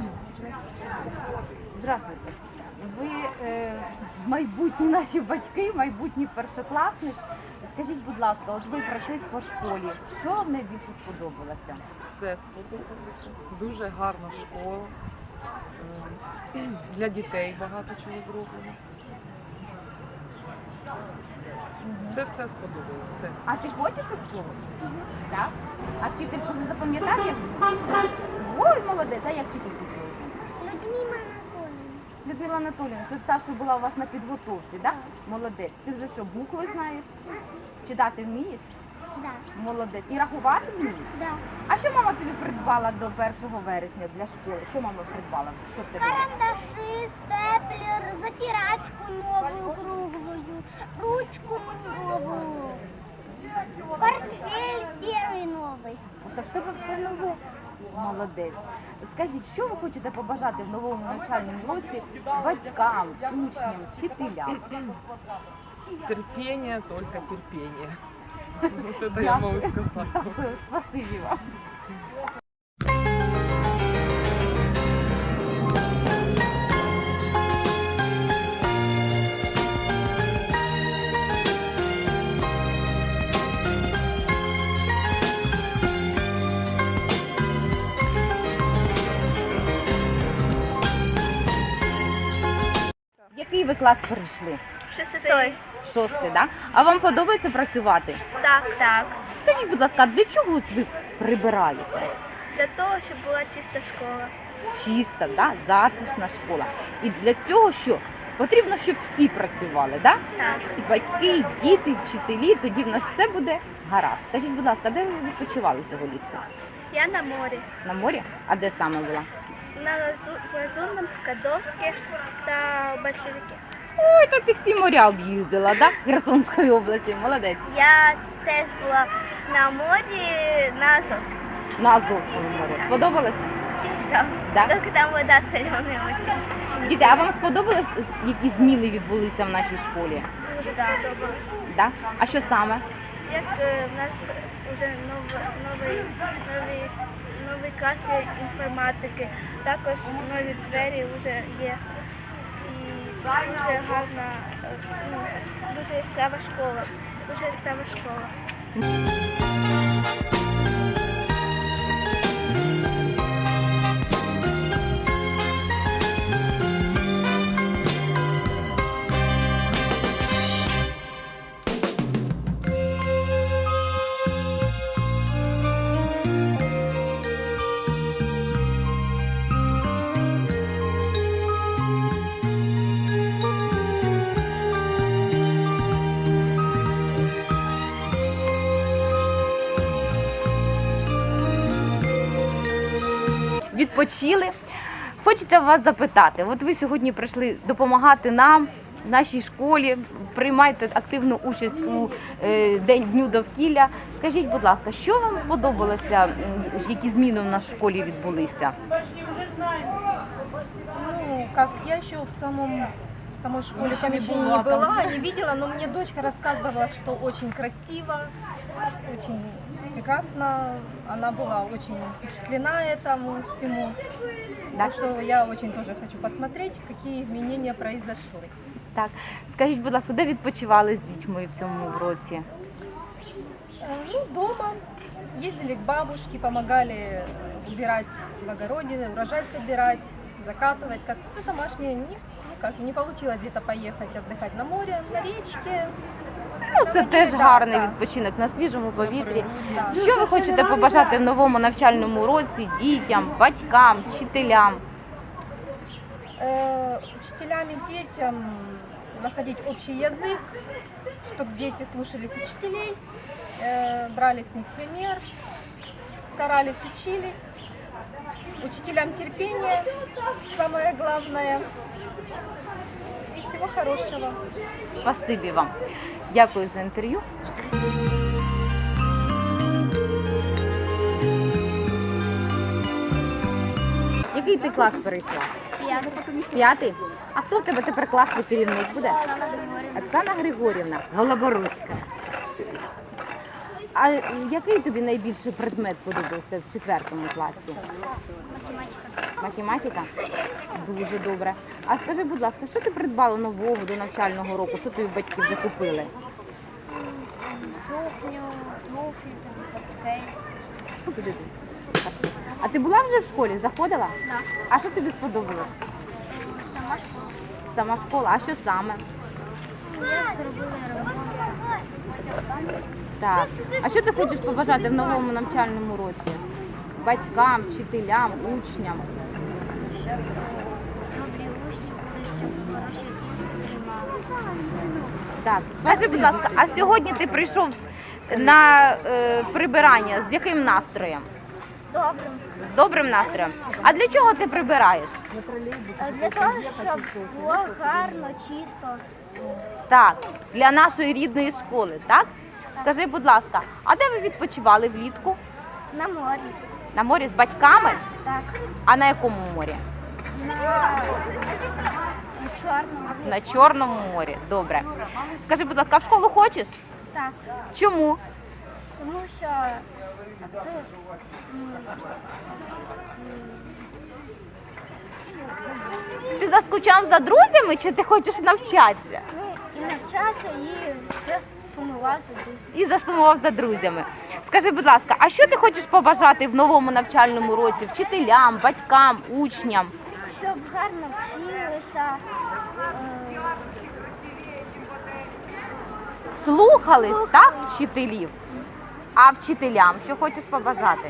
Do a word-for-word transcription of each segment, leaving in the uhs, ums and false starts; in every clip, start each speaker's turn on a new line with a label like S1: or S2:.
S1: Здравствуйте. Ви е, майбутні наші батьки, майбутні першокласники. Скажіть, будь ласка, от ви пройшлись по школі. Що вам найбільше сподобалося?
S2: Все сподобалося. Дуже гарна школа. Е, Для дітей багато чого зроблено. Все все сподобалось. Все.
S1: А ти хочеш у школу? Так. А вчительку не запам'ятав, як? Ой, молодець, а як вчительку звуть?
S3: Людмила Анатольевна.
S1: Людмила Анатоліївна, це та, що була у вас на підготовці, так? Молодець. Ти вже що, букви знаєш? Читати вмієш?
S3: Да.
S1: Молодець. І рахувати вмієш?
S3: Да.
S1: А що мама тобі придбала до першого вересня для школи? Що мама придбала? Що в тебе?
S3: Карандаши, степлер, затирачку новую круглую, ручку новую, портфель серый новый.
S1: Так в тебе все нове. Молодець. Скажіть, що ви хочете побажати в новому навчальному році батькам, учням, вчителям?
S2: Терпіння, тільки терпіння. Вот это я можу сказати.
S1: Дякую, спасибі вам. Який ви клас перейшли?
S3: Шестой.
S1: Шостий, так? А вам подобається працювати?
S3: Так, так.
S1: Скажіть, будь ласка, для чого ви прибираєте?
S3: Для того, щоб була чиста школа.
S1: Чиста, да? Затишна школа. І для цього що? Потрібно, щоб всі працювали, да?
S3: Так.
S1: І батьки, і діти, і вчителі, тоді в нас все буде гаразд. Скажіть, будь ласка, де ви відпочивали цього літку?
S3: Я на морі.
S1: На морі? А де саме була?
S3: На Лазурном, Скадовське та Большевике.
S1: Ой, так ти всі моря об'їздила, да? Херсонської області, молодець.
S3: Я теж була на морі на Азовському.
S1: На Азовському морі. Сподобалося?
S3: Так.
S1: Да?
S3: Тільки там вода соленая очень.
S1: Діти, а вам сподобалось, які зміни відбулися в нашій школі?
S3: Дуже сподобалось.
S1: Да? А що саме?
S3: Як е, в нас вже новий, новий, новий, новий клас є інформатики, також нові двері вже є. І дуже гарна, е, ну, дуже яскрава школа. Дуже яскрава школа.
S1: Відпочили. Хочеться вас запитати, от ви сьогодні прийшли допомагати нам, нашій школі, приймаєте активну участь у е, День Дню довкілля. Скажіть, будь ласка, що вам сподобалося, м, які зміни в нашій школі відбулися?
S4: Ну, как я еще в самом в самой школе
S2: Еще
S4: там
S2: не
S4: еще
S2: была
S4: не
S2: там.
S4: была, не видела, но мне дочка рассказывала, что очень красиво, очень прекрасно. Она была очень впечатлена этому всему.
S1: Да.
S4: Так что я очень тоже хочу посмотреть, какие изменения произошли.
S1: Так, скажіть, будь ласка, де відпочивали з дітьми в цьому році?
S4: Э, Ну, дома ездили к бабушке, помогали убирать в огороде, урожай собирать, закатывать. Как ну, домашнее, не, никак, не получилось где-то поехать отдыхать на море, на речке.
S1: Ну, це теж
S4: Да,
S1: гарний
S4: да.
S1: відпочинок на свіжому повітрі.
S4: Да.
S1: Що ви хочете побажати в новому навчальному році дітям, батькам, вчителям?
S4: Э, Учителям и детям находить общий язык, чтобы дети слушались учителей, э, брали с них пример, старались, учились. Учителям терпение, самое главное. И всего хорошего.
S1: Спасибі вам. Дякую за інтерв'ю. Який ти клас перейшла? П'ятий? А хто в тебе тепер класний керівник буде? Оксана Григорівна. Голобородська. А е, який тобі найбільше предмет подобався в четвертому класі?
S3: Математика.
S1: Математика? Дуже добре. А скажи, будь ласка, що ти придбала нового до навчального року? Що тобі батьки вже купили?
S3: Сукню, туфлі, портфель.
S1: Куди ти? А ти була вже в школі? Заходила?
S3: Так.
S1: А що тобі сподобалось?
S3: Сама школа.
S1: Сама школа, а що саме?
S3: Як зробили ремонт?
S1: Так. А що ти хочеш побажати в новому навчальному році? Батькам, вчителям, учням?
S3: Щоб добрі учні були, щоб хороші оцінки отримали.
S1: Так, скажи, будь ласка, а сьогодні ти прийшов на е, прибирання з яким настроєм?
S3: З добрим.
S1: З добрим настроєм. А для чого ти прибираєш?
S3: Для того, щоб було гарно, чисто.
S1: Так, для нашої рідної школи, так? Скажи, будь ласка, а де ви відпочивали влітку?
S3: На морі.
S1: На морі з батьками?
S3: Так.
S1: А на якому морі?
S3: На, на чорному.
S1: На Чорному морі. Добре. Скажи, будь ласка, а в школу хочеш?
S3: Так.
S1: Чому?
S3: Тому що тут м,
S1: Ти заскучав за друзями чи ти хочеш навчатися?
S3: ну, і навчатися, і все сумувався дуже.
S1: І засумував за друзями. Скажи, будь ласка, а що ти хочеш побажати в новому навчальному році вчителям, батькам, учням?
S3: Щоб гарно вчилися, е,
S1: Слухались,
S3: Слухались.
S1: так, вчителів? А вчителям що хочеш побажати?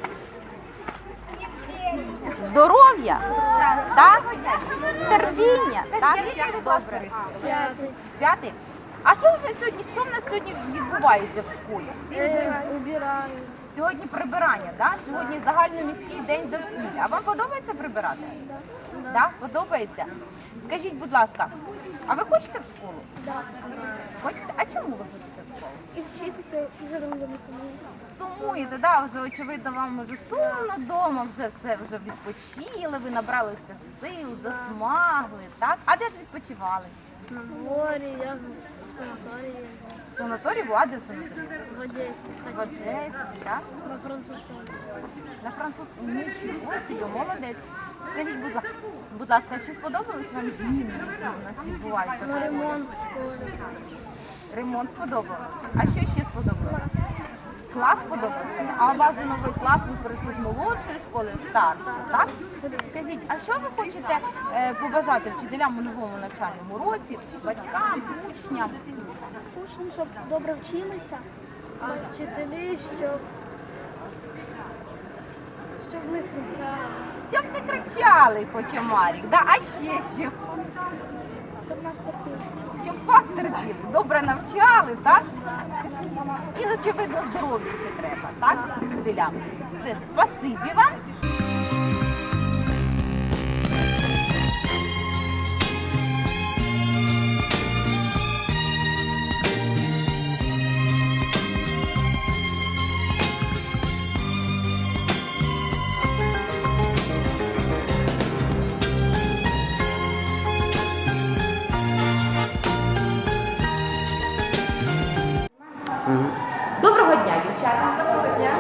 S1: Здоров'я, так? Терпіння, так? Добре. П'ятий. А що ви сьогодні? Що в нас сьогодні відбувається в школі?
S3: убираю.
S1: Сьогодні прибирання, так? Сьогодні загальноміський день довкілля. А вам подобається прибирати? Так, подобається. Скажіть, будь ласка, а ви хочете в школу? Хочете? А чому ви хочете в школу?
S3: І вчитися і за друзями самому.
S1: Сумуєте, да? Вже очевидно вам вже сумно вдома, вже це вже відпочили, ви набралися сил, засмагли, так? А де ж відпочивали?
S3: На морі, я в санаторії,
S1: В санаторії була, а де в санаторії?
S3: в Одесі,
S1: В Одесі, так?
S3: на французькому.
S1: На французькому нічого собі, молодець. Скажіть, будь ласка, будь ласка, чи сподобались вам зміни, які у нас відбуваються? в
S3: На
S1: школі?
S3: ремонт в школі.
S1: Ремонт сподобався. А що ще сподобалось? Клас сподобався? А у вас же новий клас, ви перейшли з молодшої школи в старшу, так? Скажіть, а що ви хочете е, побажати вчителям у новому навчальному році, батькам, учням?
S3: Учні, щоб добре вчилися, а вчителі, щоб, щоб не кричали,
S1: Щоб не кричали, хоче Марік, да? А ще що?
S3: щоб нас терпіли.
S1: Щоб вас терпіли, добре навчали, так? І, очевидно, здоров'я ще треба, так? Вчителям. Все, спасибі вам. Доброго дня, дівчата. Доброго дня.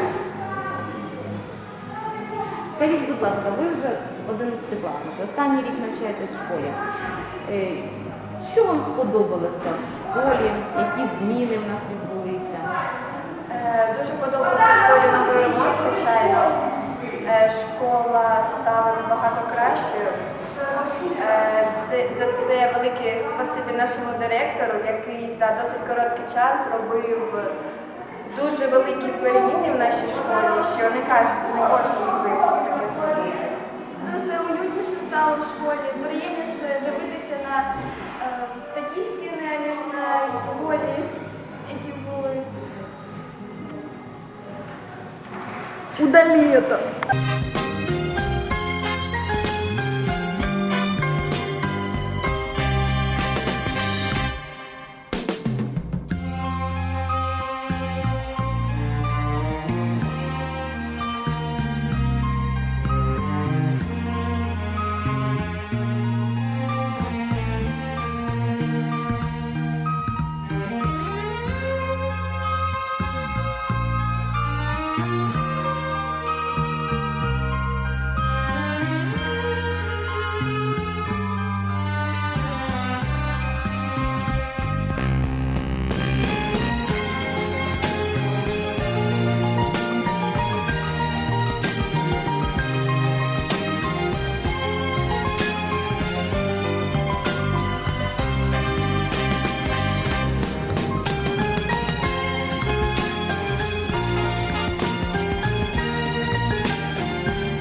S1: Скажіть, будь ласка, ви вже одинадцятикласники, останній рік навчаєтесь в школі. Е, Що вам сподобалося в школі? Які зміни в нас відбулися?
S5: Е, Дуже подобається в школі новий ремонт, звичайно. Е, Школа стала набагато кращою. Е, це- За це велике спасибі нашому директору, який за досить короткий час зробив дуже великі переміни в нашій школі, що не кожен, не кожен міг би таке зробити.
S6: Дуже уютніше стало в школі, приємніше дивитися на е, такі стіни, ніж на голі, які були.
S2: Удалі це.